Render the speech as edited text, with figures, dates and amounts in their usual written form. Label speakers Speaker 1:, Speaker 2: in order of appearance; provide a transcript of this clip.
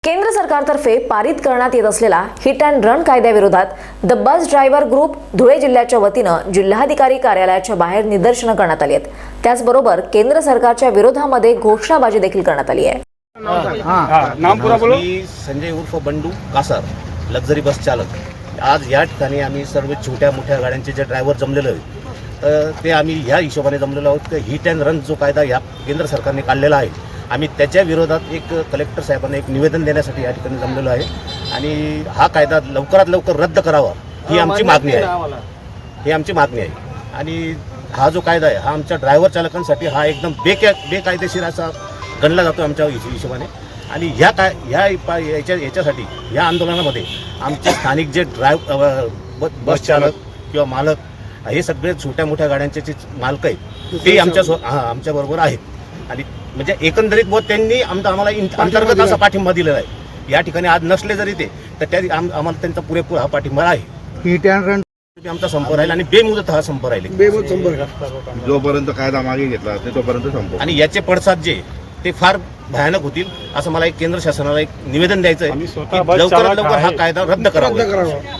Speaker 1: केंद्र सरकारतर्फे पारित करण्यात येत असलेला हिट अँड रन कायद्याविरोधात the bus driver group Dhule जिल्ह्याच्या वतीनं जिल्हाधिकारी कार्यालयाच्या बाहेर निदर्शनं करण्यात आली आहेत। त्याचबरोबर केंद्र सरकारच्या विरोधामध्ये घोषणाबाजी देखील करण्यात आली आहे।
Speaker 2: नाम पूरा बोलो।
Speaker 3: मी संजय उर्फ बंडू कासार, लक्झरी बस चालक। आज या ठिकाणी आम्ही सर्व छोट्या मोठ्या गाड्यांचे जे ड्रायव्हर जमलेलो आहे ते आम्ही ह्या हिशोबाने जमलेलो आहोत की हिट अँड रन जो कायदा या केंद्र सरकारने काढलेला आहे आम्ही त्याच्या विरोधात एक कलेक्टर साहेबांना एक निवेदन देण्यासाठी या ठिकाणी जमलेलो आहे आणि हा कायदा लवकरात लवकर रद्द करावा ही आमची मागणी आहे। आणि हा जो कायदा आहे हा आमच्या ड्रायव्हर चालकांसाठी हा एकदम बेकायदेशीर असा गणला जातो आमच्या हिशोबाने। आणि याच्यासाठी या आंदोलनामध्ये आमचे स्थानिक जे बस चालक किंवा मालक हे सगळे छोट्या मोठ्या गाड्यांचे जे मालक आहेत ते आमच्याबरोबर आहेत। आणि म्हणजे एकंदरीत त्यांनी आम्हाला अंतर्गत असा पाठिंबा दिलेला आहे। या ठिकाणी आज नसले जरी ते तर त्या आम्हाला त्यांचा पुरेपूर हा पाठिंबा आहे।
Speaker 4: हिट अँड रन
Speaker 3: आमचा संप राहील आणि बेमुदत हा संप राहील
Speaker 5: जोपर्यंत कायदा मागे घेतला तोपर्यंत संपव।
Speaker 3: आणि याचे पडसाद जे ते फार भयानक होतील असं मला एक केंद्र शासनाला एक निवेदन द्यायचं आहे की लवकरात लवकर हा कायदा रद्द करावा।